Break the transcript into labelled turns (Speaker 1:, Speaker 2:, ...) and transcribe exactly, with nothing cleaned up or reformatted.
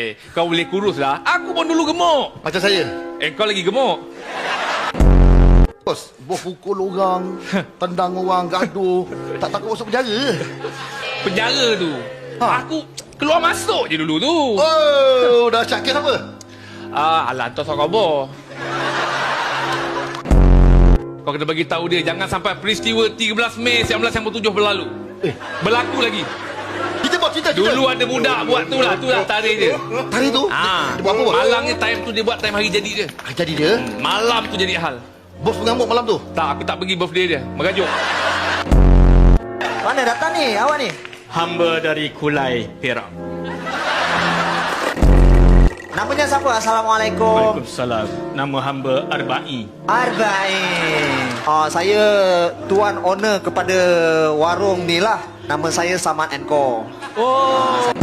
Speaker 1: Eh, kau boleh kurus lah. Aku pun dulu gemuk.
Speaker 2: Macam saya.
Speaker 1: Eh, kau lagi gemuk.
Speaker 2: Bos, bos pukul orang, tendang orang, gaduh. Tak takut masuk penjara?
Speaker 1: Penjara tu.
Speaker 2: Ha.
Speaker 1: Aku keluar masuk je dulu tu.
Speaker 2: Oh, dah cak kes apa?
Speaker 1: Ah, alah, tu sok khabar. Kau kena bagi tahu dia jangan sampai peristiwa tiga belas Mei seribu sembilan ratus tujuh berlalu.
Speaker 2: Eh,
Speaker 1: Berlaku lagi.
Speaker 2: kita buat cerita cerita.
Speaker 1: Dulu ada budak buat tu lah, tu lah tarikh dia.
Speaker 2: Hari tu,
Speaker 1: Ah,
Speaker 2: dia buat apa? Bos?
Speaker 1: malangnya time tu dia buat time hari jadi dia.
Speaker 2: Ah, jadi dia,
Speaker 1: Malam tu jadi hal.
Speaker 2: bos mengamuk malam tu.
Speaker 1: Tak, aku tak pergi birthday dia. Mengajuk.
Speaker 3: Mana datang ni awak ni?
Speaker 4: Hamba dari Kulai, Perak.
Speaker 3: Namanya siapa? Assalamualaikum.
Speaker 4: Waalaikumsalam. Nama hamba Arba'i.
Speaker 3: Arba'in. Oh, saya tuan owner kepada warung ni lah. Nama saya Samad and Co.
Speaker 4: Oh,